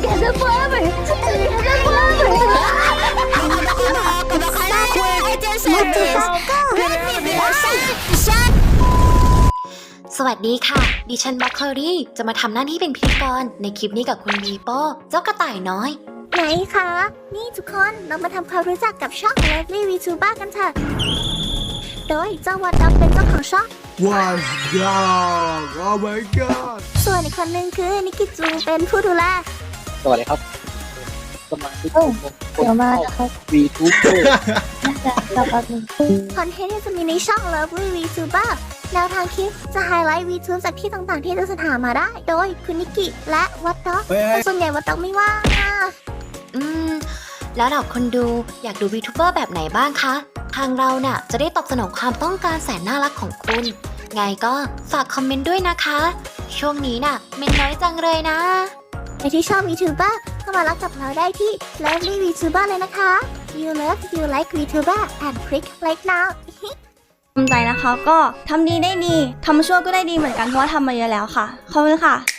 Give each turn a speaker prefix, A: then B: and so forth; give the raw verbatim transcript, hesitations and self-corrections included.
A: together forever together forever
B: สวัสดีค่ะดิฉันบัคเคอรี่จะมาทำหน้าที่เป็นพิธีกรในคลิปนี้กับคุณบีโป้เจ้ากระต่ายน้อย
A: ไหนคะนี่ทุกคนเรามาทำความรู้จักกับช่อง Lovely VTuber กันเถอะโดยเจ้าวัดดำเป็นเจ้าของช่อง
C: What's up Oh my god
A: ส่วนอีกคนนึงคือนิกิจูเป็นผู้ดูแล
D: สวัสดีครับสมาชิกเดี๋ยวมาครับ
A: ค
D: VTuber
A: อนเทนต์ที่จะมีในช่อง Lovely VTuber แนวทางคลิปจะไฮไลท์ VTube จากที่ต่างๆที่จะหามาได้ โดยคุณนิกิและวัดด็อกแต่ส่วนใหญ่วัดด็อกไม่ว่างอ่ะ
B: อืมแล้วเราคนดูอยากดูวีทูเบอร์แบบไหนบ้างคะทางเราน่ะจะได้ตอบสนองความต้องการแสนน่ารักของคุณ ไงก็ฝากคอมเมนต์ด้วยนะคะ ช่วงนี้น่ะเมนน้อยจังเลยนะ
A: ใครที่ชอบ VTuber ก็มารับกับเราได้ที่ Lovely VTuber เลยนะคะ You love you like VTuber and click like now
E: ภูมิใจนะคะก็ทำดีได้ดีทำชั่วก็ได้ดีเหมือนกันเพราะว่าทำมาเยอะแล้วค่ะขอบคุณค่ะ